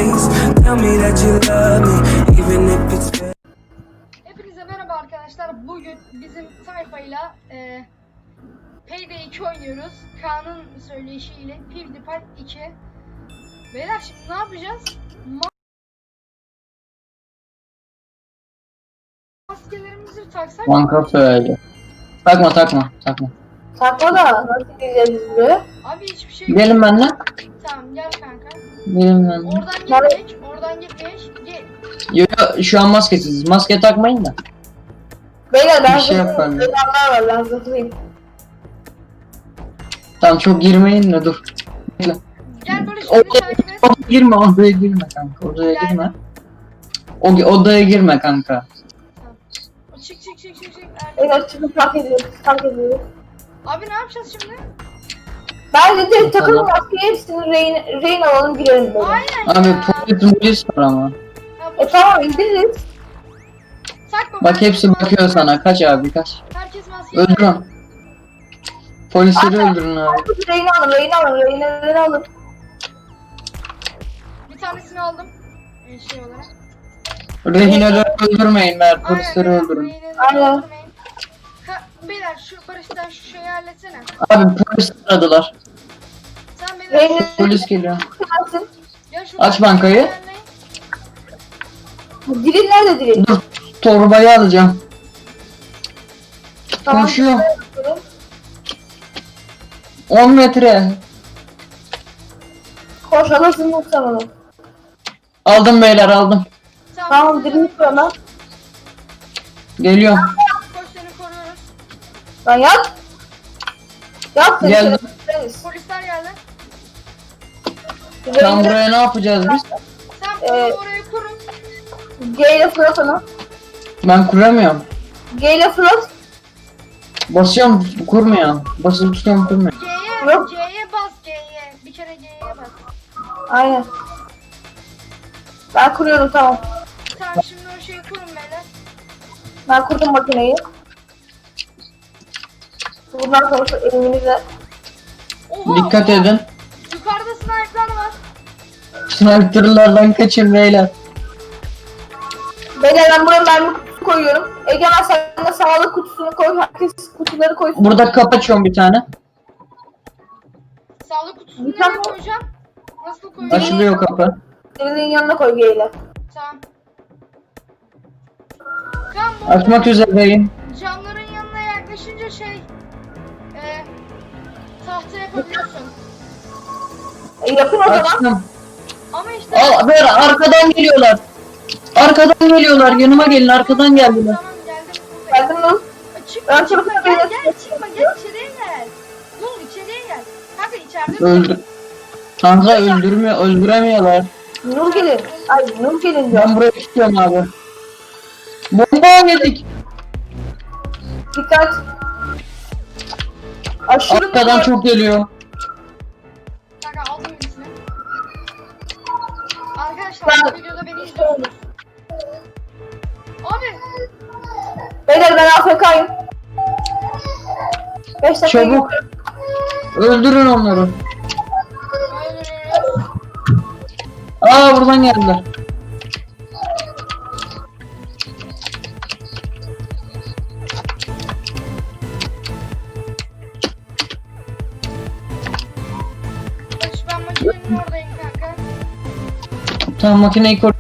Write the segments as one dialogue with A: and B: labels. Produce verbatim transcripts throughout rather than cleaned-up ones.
A: face. Tell me that you love me, even if it's fake.
B: Hepinize merhaba arkadaşlar. Bugün bizim sayfayla e, Payday iki oynuyoruz. Kaan'ın söyleyişiyle PewDiePie iki. Beyler şimdi ne yapacağız? Ma Maskelerimizi taksak mı?
C: Banka söyle. Takma takma takma.
D: Takma da nasıl gideceğiz buraya?
B: Abi hiçbir şey
C: Gelin benimle.
B: Tamam gel kanka.
C: Gelin benimle.
B: Oradan gitmek, oradan gitmek. Ge
C: Yo, yo, şu an maskesiz. Maske takmayın da.
D: Beyler ben
C: Bir şey
D: zıplayayım.
C: yapalım.
D: Beyler var ben zıplayayım.
C: Tamam çok girmeyin de dur. Bekle.
B: Gel Barış beni
C: Odaya,
B: takip et.
C: odaya girme odaya girme kanka. Odaya
B: Geldim.
C: girme. O, odaya girme kanka.
B: Tamam. Çık çık çık çık çık.
D: Beyler çıkıp fark ediyoruz. Fark ediyoruz.
B: Abi ne yapacağız şimdi?
D: Bence de takım
C: Tamam.
D: maskeyi hepsini rehin, rehin alalım girelim böyle.
B: Aynen
C: Abi
B: ya.
C: polis polis var ama.
B: Ya bu-
D: E tamam indiririz.
B: Takma,
C: Bak
B: herkes
C: hepsi
B: maske-
C: bakıyor sana. Kaç abi kaç.
B: Herkes maske.
C: Öldürün. Polisleri öldürün abi.
D: Rehin alın, rehin alın, rehinleri alın.
B: Bir tanesini aldım. Ee, şey olarak.
C: Rehineleri öldürmeyin ver. Polisleri
B: Aynen,
C: öldürün.
B: rehineleri
D: Aynen.
B: öldürmeyin. Ka- Beyler şu Barış'tan şu şeyi halletsene.
C: Abi polis aradılar.
B: Sen beni
D: Rehinleri
C: Polis geliyor.
D: çıkarsın.
B: ya şu
C: Aç bankayı.
D: Diril nerede diril?
C: Dur torbayı alacağım.
D: Tamam.
C: Koşuyor. on metre.
D: Koş alırsın yoksa onu.
C: Aldım beyler aldım.
D: Tamam diril sonra.
C: Geliyorum.
B: Koş seni koruyoruz.
D: Lan yat. Yat seni.
C: Geldim.
D: Geldim.
B: Polisler geldi.
C: Tam buraya ne yapacağız biz?
B: Sen
D: Ee,
B: polisi oraya kurun.
D: G ile fırlat onu.
C: Ben kuramıyorum.
D: G ile fırlat.
C: Basıyorum kurmuyor. Basılı tutuyorum kurmuyor.
B: G'ye,
D: Yok.
B: G'ye bas G'ye. Bir kere G'ye bas.
D: Aynen. Ben kuruyorum tamam.
B: Tamam şimdi o şeyi kurun beyler.
D: Ben kurdum makineyi. Bundan sonra şu elimizle.
B: Oha,
C: Dikkat
B: oha.
C: edin.
B: Yukarıda sniper'lar var.
C: Sniper'lardan kaçın beyler.
D: Beyler ben buraya mermi kutusu koyuyorum. Egemen sen de sağlık kutusunu koy. Herkes kutuları koysun.
C: Burada kapı açıyorum bir tane.
B: Sağlık kutusunu
D: Bir
B: nereye
D: tane-
B: koyacağım? Nasıl koyacağım?
C: Açılıyor kapı.
D: Dirilin yanına koy G ile.
B: Tamam. Tamam bu
C: Açmak üzereyim.
B: camların yanına yaklaşınca şey e, tahta yapabiliyorsun.
D: E, yapın o zaman.
C: Açtım.
B: Ama işte
C: Al ver arkadan geliyorlar. Arkadan geliyorlar. Yanıma gelin arkadan geldiler.
B: Tamam geldim buradayım.
D: Geldin mi?
B: Aa, Çıkma
D: Ben
B: çıkma
D: sana
B: gel
D: böyle-
B: gel çıkma gel içeriye gel. Dur içeriye gel. Kanka içeride
C: Öldür. Kanka öldürmüyor, öldüremiyorlar.
D: Nur gelin. Ay Nur gelin diyor.
C: Ben buraya tutuyorum abi. Bomba yedik.
D: Dikkat. Aşırı
C: Arkadan
D: mutlu.
C: çok geliyor.
B: Kanka aldım birisini. Arkadaşlar
D: Ben-
B: bu videoda beni izliyorsunuz. Abi
D: Beyler ben A F K'yım. beş dakika
C: Çabuk. Öldürün onları.
B: öldürüyoruz.
C: Aa buradan geldiler.
B: Barış ben makinenin oradayım kanka.
C: Tamam makineyi koy.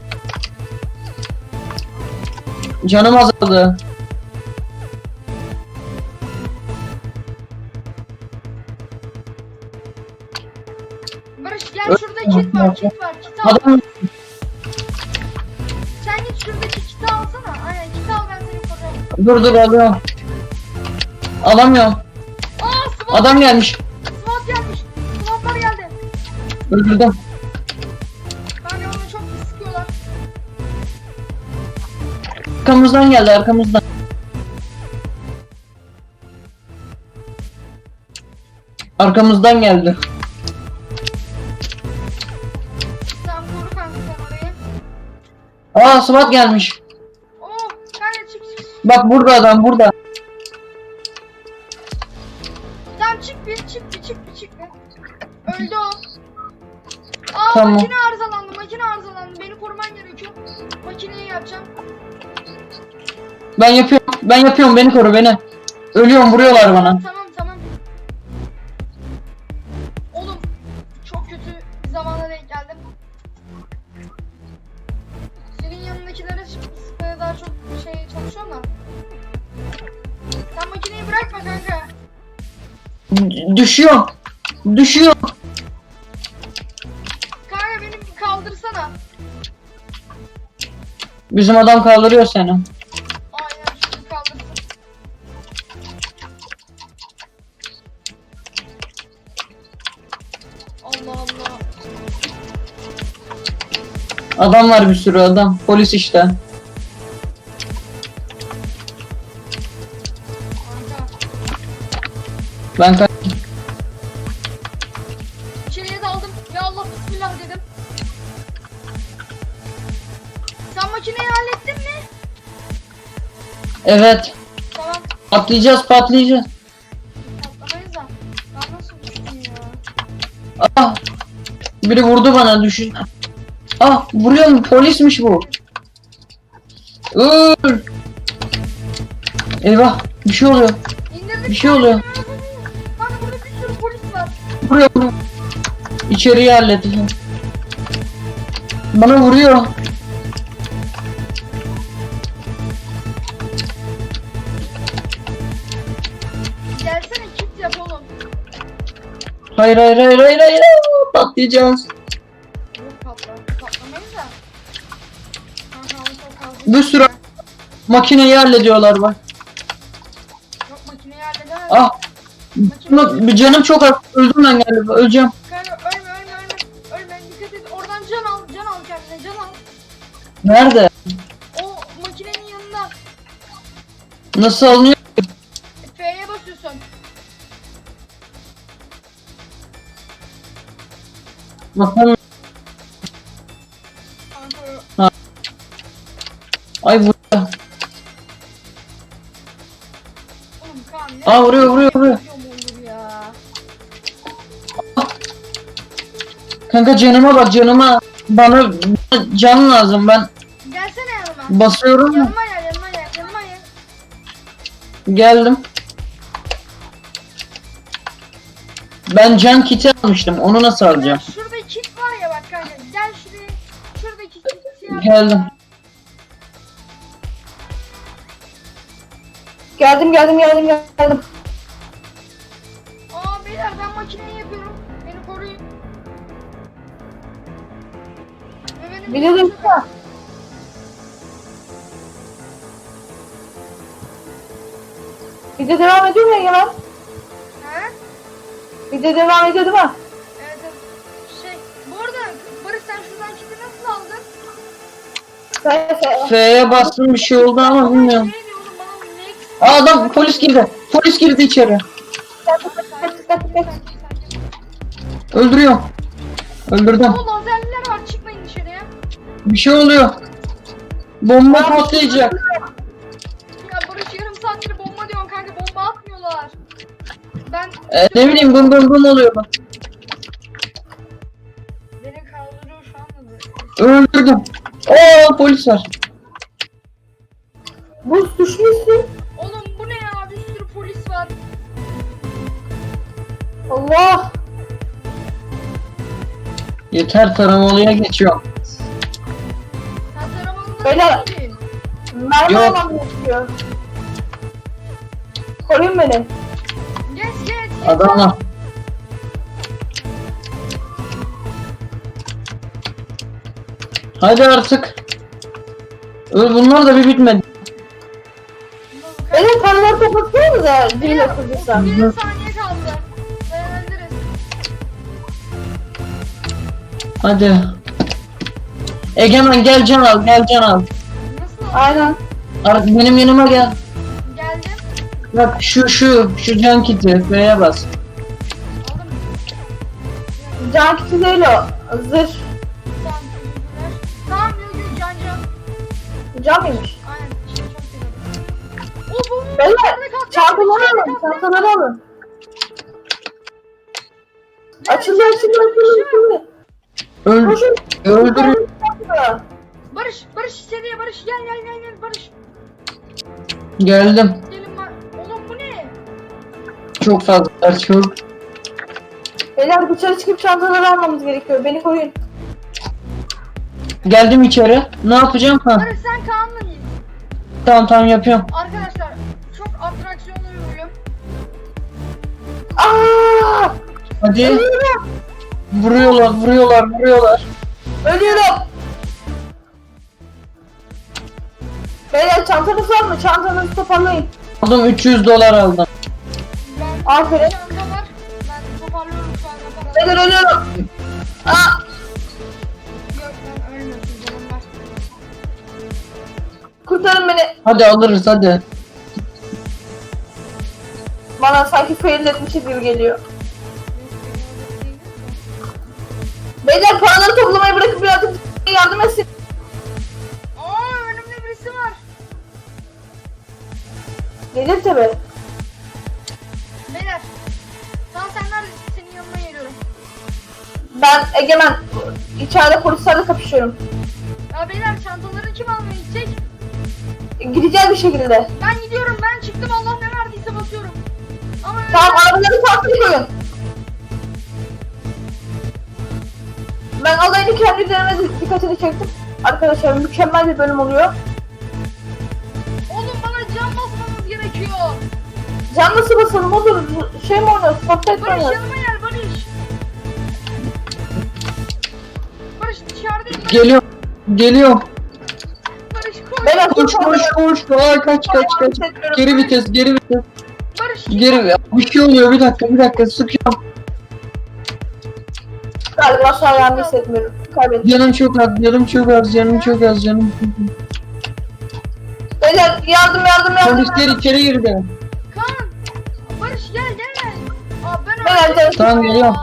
C: Canım azaldı.
B: Barış gel şurada kit var kit var kit al.
C: Adam
B: Sen git şuradaki kiti alsana. Aynen kiti al ben seni koruyayım.
C: dur dur alıyorum. Alamıyorum.
B: Aa SWAT,
C: Adam gelmiş.
B: SWAT gelmiş. SWAT'lar geldi.
C: Öldürdüm.
B: Kanka onu çok pis sıkıyorlar.
C: Arkamızdan geldi arkamızdan. Arkamızdan geldi.
B: Sen koru kanka sen orayı.
C: Aa SWAT gelmiş.
B: Oh kanka çık çık çık.
C: Bak burada adam burada.
B: Tamam çık bir çık bir çık bir çık bir. Öldü o. Aa
C: Tamam.
B: makine arızalandı, makine arızalandı. Beni koruman gerekiyor. Makineyi yapacağım.
C: Ben yapıyorum. Ben yapıyorum. Beni koru beni. Ölüyorum. Vuruyorlar bana.
B: Tamam tamam. Oğlum çok kötü bir zamana denk geldim. Senin yanındakilere sıkmaya daha çok şey çalışıyor ama. Sen makineyi bırakma kanka.
C: D- Düşüyorum. Düşüyorum.
B: Kanka beni bir kaldırsana.
C: Bizim adam kaldırıyor seni.
B: Aynen şimdi kaldırsın. Allah Allah.
C: Adam var bir sürü adam. Polis işte.
B: Kanka.
C: Ben kaç.
B: İçeriye daldım. Ya Allah bismillah dedim. Sen makineyi hallettin mi?
C: Evet.
B: Tamam.
C: Patlayacağız patlayacağız.
B: Patlamayız da. Ben nasıl düştüm ya?
C: Ah. Biri vurdu bana düşün. Ah vuruyorum polismiş bu. Öl. Eyvah bir şey oluyor.
B: İndirdik.
C: Bir şey oluyor.
B: Kanka burada bir sürü polis var.
C: Vuruyor vuruyor. İçeriği halledeceğim. Bana vuruyor.
B: Gelsene kit yap oğlum.
C: Hayır hayır hayır hayır hayır. Patlayacağız.
B: Yok patla. Patlamayız da. Kanka ama çok fazla.
C: Bir sürü makineyi hallediyorlar bak.
B: Yok makineyi halledemez.
C: Ah.
B: Makine...
C: Bir canım çok az. Öldüm ben galiba. Öleceğim.
B: Kanka ölme ölme ölme. Ölme dikkat et. Oradan can al. Can al kendine can al.
C: Nerede?
B: O makinenin yanında.
C: Nasıl alınıyor?
B: F'ye basıyorsun.
C: Bakalım.
B: Kanka
C: Ay vuruyor.
B: oğlum Kaan ne?
C: Aa, vuruyor, vuruyor, vuruyor.
B: Olur ya.
C: Kanka canıma bak canıma. Bana, bana can lazım ben
B: Gelsene yanıma.
C: basıyorum.
B: Yanıma gel yanıma gel yanıma gel.
C: Geldim. Ben can kiti almıştım. Onu nasıl alacağım?
B: Şurada kit var ya bak kanka. Gel şuraya. Şuradaki kiti yap.
C: Geldim.
D: Geldim geldim geldim geldim.
B: Aa beyler ben makineyi yapıyorum. Beni koruyun. Ve benim
D: Biliyorum ya. Video devam ediyor mu Egemen?
B: He?
D: Video devam ediyor değil mi?
B: Evet evet. Şey bu arada Barış sen şuradan kiti nasıl aldın?
D: Söyle söyle.
C: F'ye bastım bir şey oldu ama bilmiyorum.
B: Şey diyor oğlum bana ne?
C: Aa, adam polis girdi. Polis girdi içeri. Öldürüyor. Öldürdüm.
B: O lazerliler var çıkmayın dışarıya.
C: Bir şey oluyor. Bomba patlayacak.
B: Ya Barış yarım saattir bomba diyorsun kanka bomba atmıyorlar. Ben
C: Ee, ne bileyim bum bum bum oluyor bak.
B: beni kaldırıyor şu anda.
C: Öldürdüm. Oo polis var.
D: Buz düşmüşsün.
B: Oğlum bu ne ya bir sürü polis var.
D: Allah.
C: Yeter taramalıya geçiyorum.
B: Sen taramanında
D: Beyler.
B: değilsin.
D: Mermi
C: Yok.
D: almam gerekiyor. Koruyun beni.
B: Geç geç.
C: Adamlar. Hadi artık. Öl bunlar da bir bitmedi.
D: Benim paraları kapatıyor da değil oturduysam.
B: Bir saniye kaldı. Dayanabiliriz.
C: Hadi. Egemen gel can al gel can al.
B: Nasıl?
D: Aynen.
C: Ar- Benim yanıma gel.
B: Geldim.
C: Bak şu şu şu can kiti F'ye bas.
B: Aldım.
D: Can kiti değil o. Zırh.
B: Tamam teşekkürler. Tamam yok yok can can.
D: Can mıymış?
B: Aynen. Şey çok seviyorum. O bu bu.
D: Beyler
B: içeride kalktı,
D: çantaları
B: içeride
D: alın.
B: kalktı.
D: Çantaları alın.
B: Ne?
D: Açıldı açıldı açıldı açıldı.
C: Öl
D: Koşun.
C: öldürün.
B: Barış, Barış istediğe Barış gel gel gel gel Barış.
C: Geldim.
B: Gelin var. Oğlum bu ne?
C: Çok fazla çok.
D: Beyler dışarı çıkıp çantaları almamız gerekiyor. Beni koruyun.
C: Geldim içeri. Ne yapacağım? Ha.
B: Barış sen Kaan'la git.
C: Tamam tamam yapıyorum.
B: Arkadaşlar çok atraksiyonlu bir bölüm.
D: Aa!
C: Hadi.
D: Ölüyorum.
C: Vuruyorlar vuruyorlar vuruyorlar.
D: Ölüyorum. Beyler çantanız var mı? Çantanızı toparlayın.
C: Aldım üç yüz dolar aldım.
B: Ben
D: Aferin.
B: çanta var. Ben toparlıyorum şu anda paraları.
D: Beyler ölüyorum. Aa!
B: Yok ben ölmüyorsun canım var.
D: Kurtarın beni.
C: Hadi alırız hadi.
D: Bana sanki fail etmişiz gibi geliyor. Beyler paraları toplamayı bırakıp birazcık yardım etsin.
B: Aa önümde birisi var.
D: Gelir tabi.
B: Beyler. Tamam sen neredesin? Senin yanına geliyorum.
D: Ben Egemen. İçeride polislerle kapışıyorum.
B: Ya beyler çantaları kim almaya gidecek?
D: Gideceğiz bir şekilde.
B: Ben gidiyorum ben çıktım Allah ne verdiyse basıyorum. Ama öyle
D: Tamam arabaları farklı koyun. Ben alayını kendi üzerime dikkatini çektim. Arkadaşlar mükemmel bir bölüm oluyor.
B: oğlum bana can basmamız gerekiyor.
D: Can nasıl basalım olur? Şey mi oynuyoruz? Fortnite mi
B: Barış
D: oynuyoruz?
B: yanıma gel Barış. Barış dışarıdayım ben.
C: Geliyorum. Geliyorum.
B: Barış koş.
D: Beyler
C: Koş koş koş. Aa, kaç kaç kaç. Geri vites geri vites.
B: Barış
C: Geri bir şey oluyor bir dakika bir dakika sıkıyorum.
D: Galiba şu an ayağımı hissetmiyorum. Kaybettim.
C: Canım çok az canım çok az canım çok az canım çok az.
D: Beyler yardım yardım yardım.
C: Polisler içeri girdi.
B: Kaan. Barış gel gel. Aa ben
D: Ben
B: öldüm.
D: geldim.
C: Tamam, geliyorum.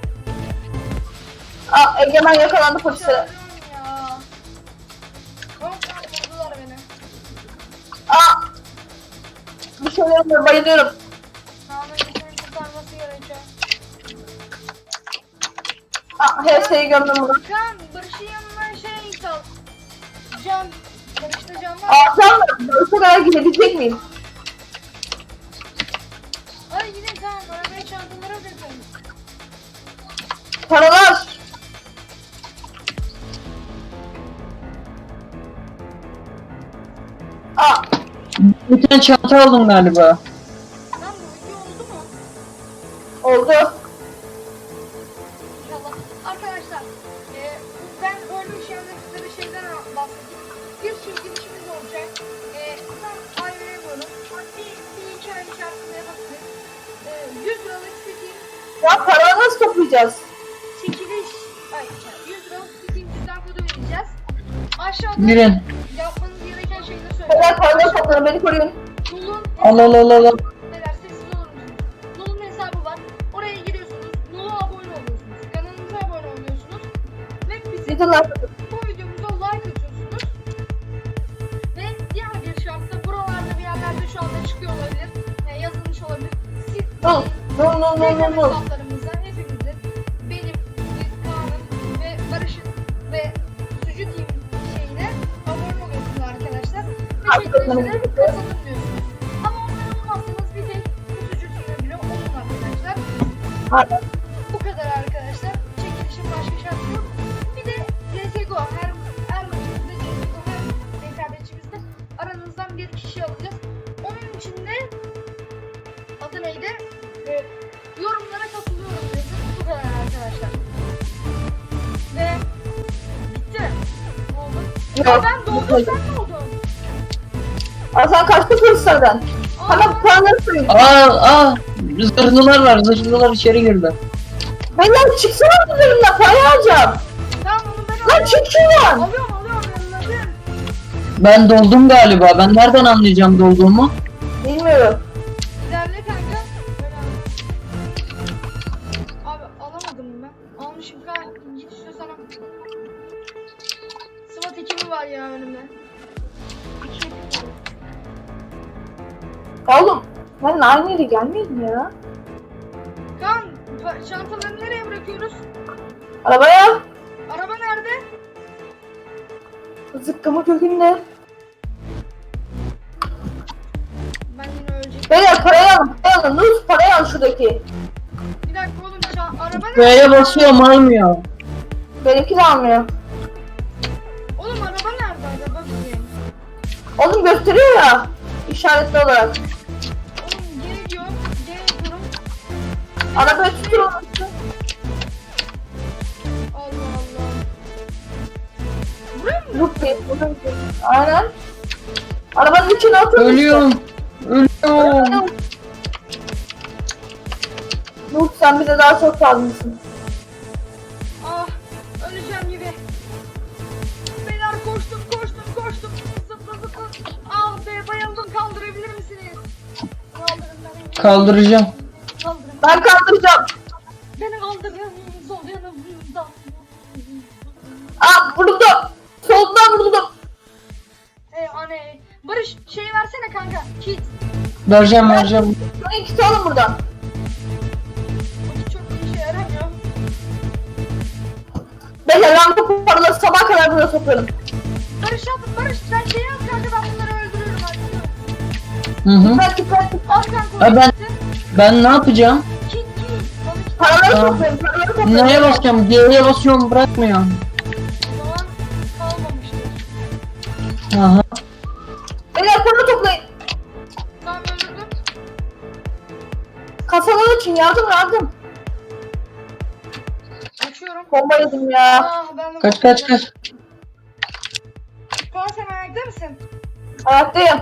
D: Aa, Egemen yakalandı polislere.
B: Çağırıyorum ya. Kaan vurdular beni.
D: Aa! Bir şey olmuyor bayılıyorum.
B: Kaan'ın insanı kurtarması gerekiyor.
D: Aa, her şeyi gömdüm bunu.
B: Kaan Barış'ın yanına şey sal. Can. Barış'ta can var.
D: Aa sen mi? Barış'a kadar gidebilecek miyim?
B: Hadi gidin Kaan. Arabaya çantaları bırakın.
D: Paralar. Aa!
C: Bir tane çanta aldım galiba.
B: Lan bu video oldu mu?
D: Oldu.
B: İnşallah. Arkadaşlar, e, ben ölmüş yanındaki şeyden bahsedeyim. Bir çekilişimiz olacak. E, tam ayrı bölüm. Bir, bir iki ay içerisinde yapabiliriz. E, yüz liralık Steam
D: Ya paraları nasıl toplayacağız?
B: çekiliş, ay, yüz liralık Steam cüzdan kodu vereceğiz. Aşağıda
C: Girin.
B: yapmanız gereken şeyleri
D: Beyler
B: söyleyeceğim.
D: paraları toplayın beni koruyun.
B: Nul'un
C: Al al al al. al.
B: Beyler sessiz olur musunuz? Nul'un hesabı var. Oraya giriyorsunuz. Nul'a abone oluyorsunuz. Kanalımıza abone oluyorsunuz. Ve bizim
D: Gidin lan.
B: bu videomuza like atıyorsunuz. Ve diğer bir şartta buralarda bir yerlerde şu anda çıkıyor olabilir. E, yazılmış olabilir. Siz
D: Nul. Nul nul nul
B: Telegram
D: nul nul.
B: hesaplarımızda hepimizin, benim, Kaan'ın ve Barış'ın ve Sucu Team şeyine abone oluyorsunuz arkadaşlar. Ve çekilişlere katılın diyorsunuz. Ama onları olmazsanız bir tek Sucu Team'e bile olun arkadaşlar.
D: Hadi.
B: Bu kadar arkadaşlar. Çekilişin başka şartı yok. Bir de C S G O her her maçımızda C S G O her rekabetçimizde aranızdan bir kişi alacağız. Onun için de adı neydi? Ee, yorumlara katılıyorum yazın. Bu kadar arkadaşlar. Ve bitti. Ne oldu?
D: Yok.
B: Ya ben doldum sen ne oldun?
D: Aa sen kaçtın polislerden.
B: Aa,
D: Hemen paraları koyun.
C: Aa aa. Zırhlılar var zırhlılar içeri girdi.
D: Beyler çıksana bu bölümden parayı alacağım.
B: tamam onu ben
D: Lan
B: alıyorum.
D: çık şuradan.
B: Alıyorum alıyorum yanına.
C: Ben doldum galiba. Ben nereden anlayacağım dolduğumu?
D: Bilmiyorum.
B: İlerle kanka. Böyle al. Abi alamadım ben. Almışım kanka. Git istiyorsan al. SWAT ekibi var ya önümde. İki ekip var.
D: Ya oğlum ben aynı yere gelmeyelim ya.
B: Kaan pa- çantaları nereye bırakıyoruz?
D: Arabaya.
B: Arabaya nerede?
D: Zıkkımı kökünde.
B: Ben yine öleceğim.
D: Beyler parayı alın. Parayı alın. Nuz parayı al şuradaki.
B: Bir dakika oğlum ça- araba nerede?
C: B'ye basıyorum almıyor.
D: Benimki de almıyor.
B: Oğlum araba nerede? Araba bakayım.
D: Oğlum gösteriyor ya. İşaretli olarak.
B: Oğlum geri diyor. Geri diyorum.
D: Arabayı tutur onu.
B: Allah Allah. Buraya mı?
D: Yok değil. Aynen. Arabanın içine otur.
C: Ölüyorum. Ölüyorum.
D: Nuh sen bize daha çok lazımsın.
B: Ah öleceğim gibi. Beyler koştum koştum koştum. Zıpla zıpla. Ah be bayıldım kaldırabilir misiniz? Kaldırın beni.
C: Kaldıracağım.
B: Kaldırın.
D: Ben kaldıracağım.
B: Beni kaldırın. Sol yanımda.
D: Aa vuruldu. Soldan vuruldum.
B: Ey anne. Barış şey versene kanka. Kit.
C: Vereceğim vereceğim.
D: Şunu ikisi alın buradan.
B: Bu kit çok bir işe yaramıyor.
D: Beyler ben bu paraları sabah kadar buraya sokuyorum.
B: Barış yap. Barış sen şey yap kanka ben bunları öldürürüm hadi.
C: Hı hı.
D: Dikkat dikkat dikkat.
B: Al kanka.
C: Ha, ben-
B: Kiti.
C: Ben ne yapacağım?
B: Kit kit. Bana kit.
D: Paraları
C: Tamam.
D: toplayın. Paraları toplayın.
C: Nereye basacağım? G'ye basıyorum bırakmıyor.
B: O zaman kalmamıştır.
C: Aha.
D: Beyler para toplayın.
B: Tamam öldürdüm.
D: Kasalar için yardım yardım.
B: Açıyorum.
D: Bomba yedim ya.
B: Ah ben de
C: Kaç kaç kaç.
B: Kaan sen ayakta mısın?
D: Ayaktayım.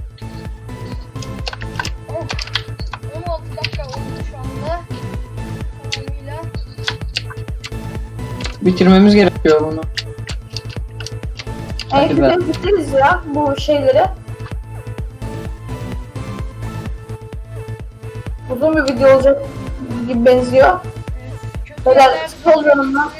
B: Oh. on altı dakika oldu şu anda. Tamamıyla.
C: Bitirmemiz gerekiyor bunu.
D: En
C: Hadi be.
D: kötü bitiririz ya bu şeyleri. Uzun bir video olacak gibi benziyor.
B: Evet. Kötü
D: Beyler,
B: yerler-
D: sol yanımdan.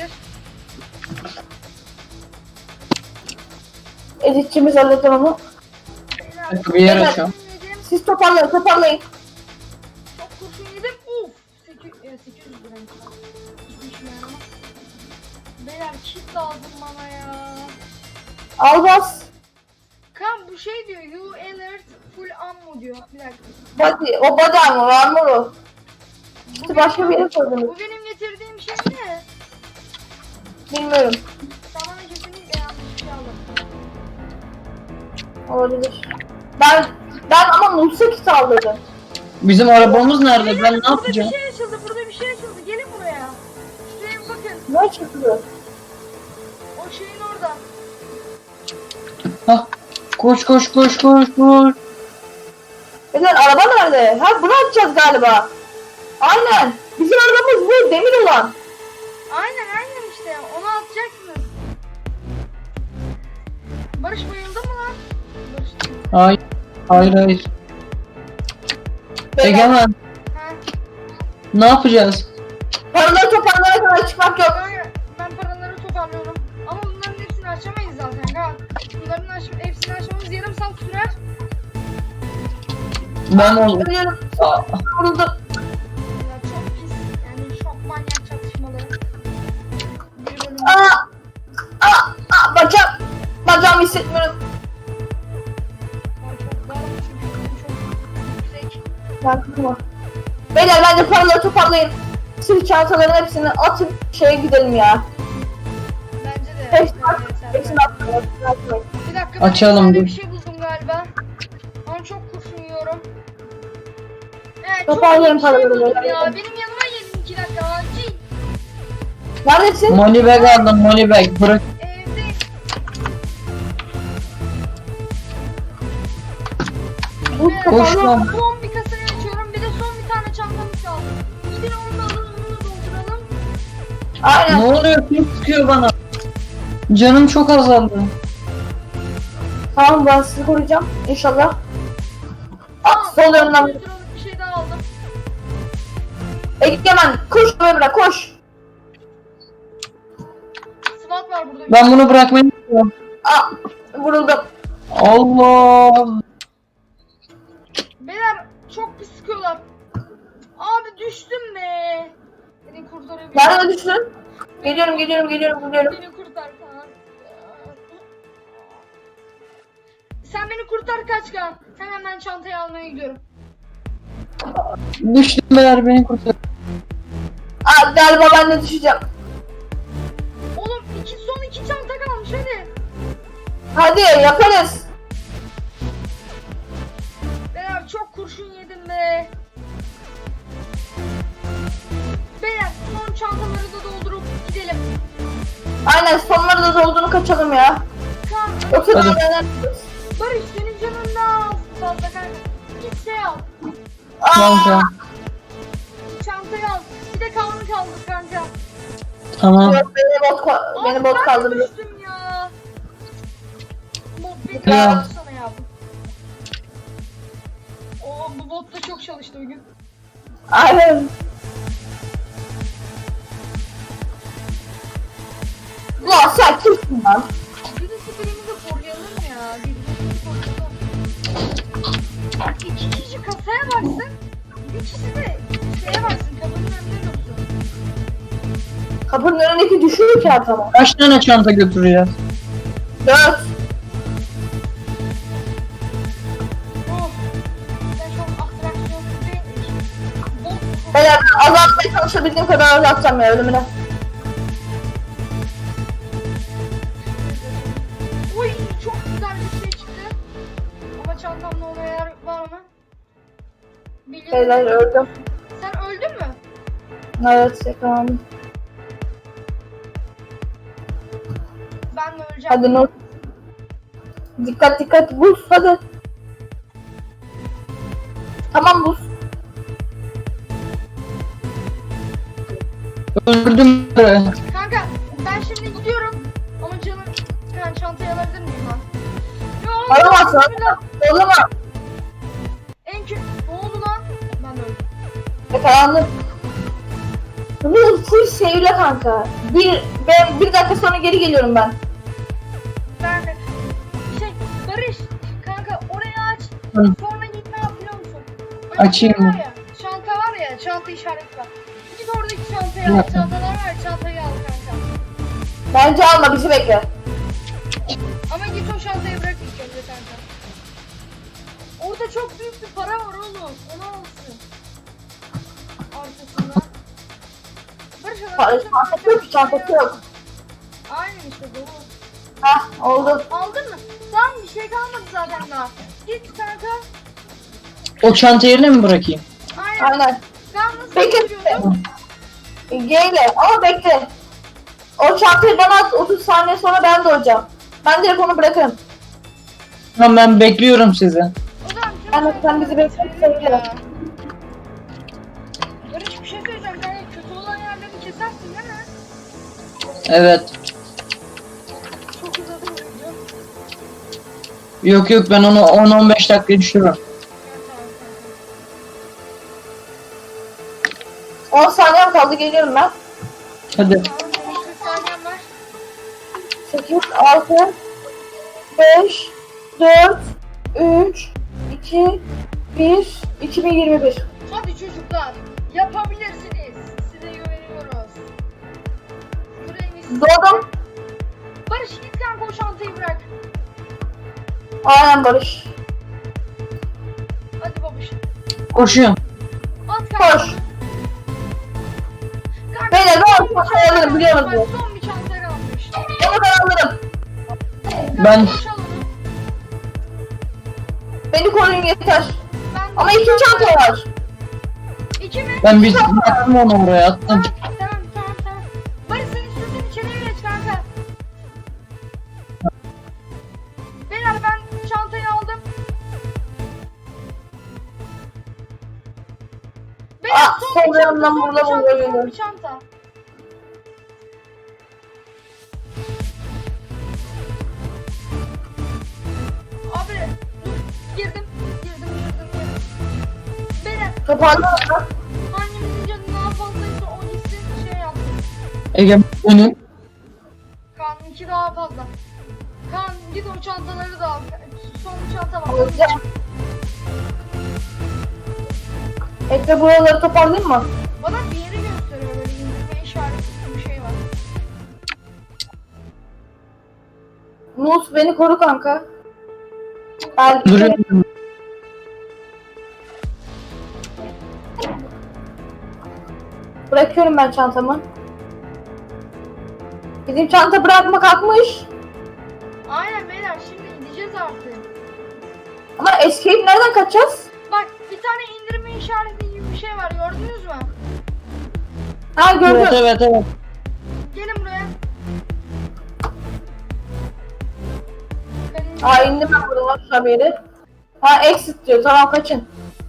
D: Editçimiz halleder onu.
B: Beyler,
C: Bir yer açıyorum.
B: yedim.
D: Siz toparlayın toparlayın.
B: Çok kurşun yedim. Uf. sekiz yüz lira. Hiçbir işime yaramaz. Beyler kit lazım bana ya.
D: Al bas.
B: Kan bu şey diyor. You alert full ammo diyor. Bir dakika.
D: Body, o body armor, armor o.
B: Bu
D: İşte başka bir
B: benim-
D: yere koydunuz.
B: Bu benim getirdiğim şey ne?
D: Bilmiyorum.
B: Sen bana kesinlikle yanlış bir şey aldın.
D: Olabilir. Ben ben ama Nus'a kit aldırdım.
C: Bizim arabamız nerede?
B: Beyler,
C: Ben ne
B: burada
C: yapacağım?
B: bir şey açıldı. Burada bir şey açıldı. Gelin buraya. Şuraya bir bakın.
D: Ne çıktı?
B: O şeyin orada.
C: Hah. Koş koş koş koş koş.
D: Beyler araba nerede? Ha bunu atacağız galiba. Aynen. Bizim arabamız bu demir olan.
B: Aynen aynen işte. Onu atacaksınız. Barış bayıldı mı lan? Barış.
C: Hayır. Hayır hayır.
D: Beyler,
C: Egemen
B: Ha.
C: ne yapacağız?
D: paraları toparlayana kadar çıkmak yok.
B: Kanka, ben paraları toparlıyorum. Ama bunların hepsini açamayız zaten. Ha. Bunların aç hepsini açmamız yarım saat sürer.
C: Ben oldum.
D: Ölüyorum.
C: Aa,
D: Vuruldum.
B: Ya çok pis. Yani çok manyak çatışmaları. Bir bölüm.
D: Aa! Aa! Aa! Bacağım. Bacağımı hissetmiyorum.
B: Ben çok darım çünkü çok yüksek.
D: Ben kırma. Beyler bence paraları toparlayın. Sırt çantaların hepsini atın şeye gidelim ya.
B: Bence de.
D: Hepsini
B: Evet,
D: atın.
B: evet,
D: Hepsini
B: evet.
D: atın. Hepsini atın.
B: Bir dakika ben
C: Açalım
B: bir tane
C: dur.
B: bir şey buldum galiba. Ama çok kurşun yiyorum. Evet,
D: Toparlayın
B: çok iyi bir şey
D: paraları,
B: buldum
D: böyle.
B: ya. Benim yanıma gelin iki dakika acil.
D: Neredesin?
C: money bag aldım money bag. Bırak.
B: Evde.
D: Bu
B: Evet,
C: Koş
B: son-
C: lan.
B: Son bir kasayı açıyorum. Bir de son bir tane çantamız kaldı. Gidin onu da alın, onu da dolduralım.
D: Aynen.
C: Ne oluyor? Kim sıkıyor bana? Canım çok azaldı.
D: Tamam ben sizi koruyacağım. İnşallah. At
B: Tamam,
D: sol yanından.
B: yüz liralık bir şey daha aldım.
D: Egemen koş Ömer'e koş.
B: SWAT var burada.
C: Ben bunu bırakmayı istiyorum.
D: Aa vuruldum.
C: Allah.
B: Beyler çok pis sıkıyorlar. Abi düştüm be. Beni kurtarabilir.
D: Nerede düştün? Geliyorum geliyorum geliyorum geliyorum.
B: Beni kurtar. Sen beni kurtar kaç Kaan. Hemen ben çantayı almaya gidiyorum.
C: Düştüm beyler, beni kurtar.
D: Aa, galiba ben de düşeceğim.
B: Oğlum iki, son iki çanta kalmış hadi.
D: Hadi yaparız.
B: Beyler çok kurşun yedim be. Beyler son çantaları da doldurup gidelim.
D: Aynen, sonları da dolduğunu kaçalım ya.
B: Kaan,
D: Yoksa
C: Hadi.
D: daha neler?
B: Barış senin canın daha fazla kanka. Git şey al.
C: Kanka.
B: Çantayı al. Bir de Kaan'ı kaldır kanka.
C: Tamam.
D: Yok, beni bot, ka- beni
B: Abi
D: bot
B: ben de
D: kaldırıyor.
B: düştüm ya. Bot beni
C: Ya.
B: kaldırsana ya. Oo bu bot da çok çalıştı bugün.
D: Aynen. Ulan sen kimsin lan?
B: Birisi birimizi koruyalım ya. Birbirimizi koruyalım. İki kişi kasaya baksın. Bir kişi de şeye baksın. Kapının önünde dursun.
D: Kapının önündeki düşüyor ki adamı.
C: Kaç tane çanta götürüyor?
D: Dört.
B: Oh. Ben çok atraksiyonlu bir bot.
D: Beyler ben azaltmaya çalışabildiğim kadar azaltacağım ya ölümüne.
B: Uy çok güzel bir şey çıktı. Ama çantamda ona yer var mı? Biliyorum.
D: Beyler öldüm.
B: Sen öldün mü?
D: Evet yakalandım.
B: Ben de öleceğim.
D: Hadi not. Dikkat dikkat buz hadi. Tamam buz.
C: Öldürdüm.
B: Kanka ben şimdi gidiyorum. Ama canım kan çantayı alabilir miyim lan? Yo,
D: Alamazsın.
B: bismillah.
D: O zaman
B: En kötü ne oldu lan? Ben de öldüm.
D: yakalandım. Bu full sevle kanka. Bir, ben bir dakika sonra geri geliyorum ben.
B: Ben de şey Barış kanka orayı aç.
C: Hı.
B: Sonra git ne yap biliyor musun?
C: Açayım
B: Var
C: mı?
B: ya, çanta var ya çanta işareti var. Git oradaki çantayı
C: Bir
B: al.
C: dakika.
B: Çantalar var ya, çantayı al kanka.
D: Bence alma bizi bekle.
B: Ama git o çantayı bırak ilk önce kanka. Orada çok büyük bir para var oğlum. Onu alsın. Arkasında. Barış
D: Pa- Çantası yok, çantası yok.
B: Aynen işte dolu.
D: Hah oldu.
B: Aldın mı? Tamam bir şey kalmadı zaten daha. Git kanka.
C: O çanta yerine mi bırakayım?
B: Aynen.
D: Aynen.
B: Kaan nasıl
D: Bekle.
B: götürüyordun?
D: Geyle ama bekle. O çantayı bana at, otuz saniye sonra ben de olacağım. Ben direkt onu bırakırım.
C: Tamam, ben bekliyorum sizi.
B: O zaman
D: Aynen, sen bizi bekle, sen gel.
B: Barış bir şey söyleyeceğim. Yani kötü olan yerleri kesersin değil mi?
C: Evet.
B: Çok uzadı bu video.
C: Yok yok, ben onu on on beş dakika düşürürüm.
B: Evet, tamam,
D: on saniyem kaldı, geliyorum ben.
C: Hadi.
B: tamam. Tamam, benim kırk saniyem var.
D: sekiz, altı, beş, dört, üç, iki, bir, iki bin yirmi bir.
B: Hadi çocuklar. Yapabilirsiniz. Size güveniyoruz. Yüreğimiz.
D: Doğdum.
B: Barış git kanka o çantayı bırak.
D: Aynen Barış.
B: Hadi babuş.
C: Koşuyorum.
B: At kanka.
D: Koş.
B: Kanka,
D: Beyler, ben
B: son bir
D: o çantayı
B: çanta
D: alırım, biliyor
B: kalmış.
D: musun?
B: Son bir çanta kalmış.
D: Onu ben alırım.
B: Kanka,
C: Ben-
B: boşal onu.
D: Beni koruyun yeter.
B: Ben
D: Ama iki çanta var.
B: İki mi?
C: Ben bir attım onu oraya attım.
B: Tamam tamam tamam tamam. Barış sen istiyorsan içeriye geç kanka. Beyler ben çantayı aldım. Beyler
D: Ah,
B: son bir
D: sol
B: çanta,
D: yanından
B: son bir
D: burada
B: çanta,
D: buluyorum.
B: son bir çanta. Abi dur girdim girdim girdim girdim. Beyler
D: Toparladın mı?
B: hangimizin canı daha fazlaysa o gitsin şey yapsın.
C: Ege onu.
B: Kaan'ınki daha fazla. Kaan git o çantaları da al. Son bir çanta var.
D: Alacağım. Ekle buraları toparlayayım mı?
B: Bana bir yeri gösteriyor böyle indirme işareti bir şey var.
D: Nus beni koru kanka. Ben
C: Duruyorum.
D: bırakıyorum ben çantamı. Bizim çanta bırakma kalkmış.
B: Aynen beyler, şimdi gideceğiz artık.
D: Ama escape nereden kaçacağız?
B: Bak, bir tane indirme işareti gibi bir şey var, gördünüz mü?
D: Ha gördüm.
C: Evet evet evet.
B: Gelin buraya. Benim-
D: Aa indim ben buradan şu haberi. Ha exit diyor, tamam kaçın.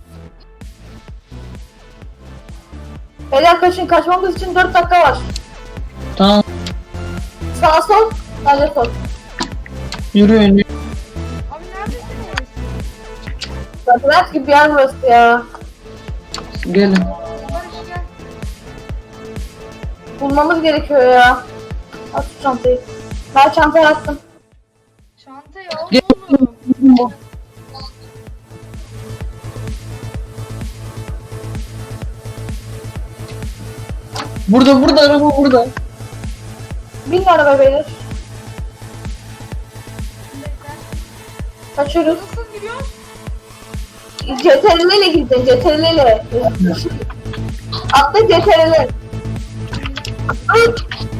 D: Beyler kaçın, kaçmamız için dört dakika var.
C: Tamam.
D: Sağa sol, sadece sol.
C: Yürüyün.
B: Abi neredesiniz?
D: Labirent gibi bir yer burası ya.
C: Gelin.
B: Barış gel.
D: Bulmamız gerekiyor ya. At şu çantayı. Ben çantayı attım.
B: Çanta
C: Gel.
B: yok oğlum.
C: Burada burada araba burada.
D: Bin araba beyler.
B: Bekle.
D: Kaçıyoruz.
B: Nasıl gidiyoruz?
D: C T R L ile gideceksin, C T R L ile. Atla C T R L. Ay!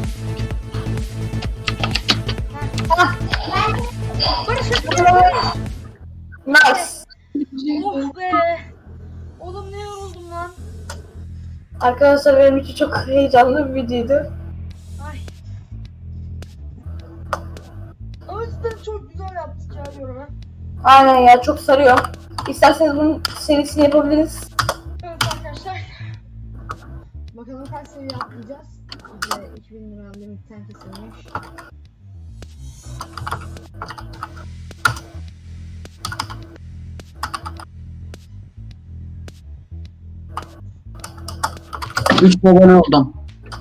D: Ah,
B: Barış Barış.
D: nice.
B: Oh be. Oğlum ne yoruldum lan.
D: Arkadaşlar benim için çok heyecanlı bir videoydu.
B: Ay. Ama cidden çok güzel yaptık ya diyorum ha.
D: Aynen ya, çok sarıyor. İsterseniz bunun serisini yapabiliriz.
B: Evet arkadaşlar. Bakalım kaç seviye atlayacağız. Bize iki bin lira limitten kesilmiş.
C: Üç abone oldum.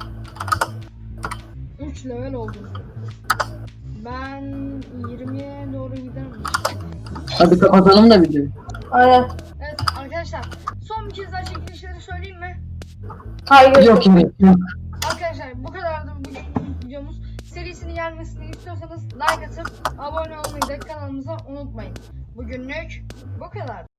B: üç level oldum. Ben yirmiye doğru giderim.
C: Hadi kapatalım da videoyu.
D: Aynen.
B: Evet arkadaşlar, son bir kez daha çekilişleri söyleyeyim mi?
D: Hayır.
C: Yok yok yok.
B: Arkadaşlar bu kadardı bugün videomuz. Serisini gelmesini istiyorsanız like atıp abone olmayı da kanalımıza unutmayın. Bugünlük bu kadar.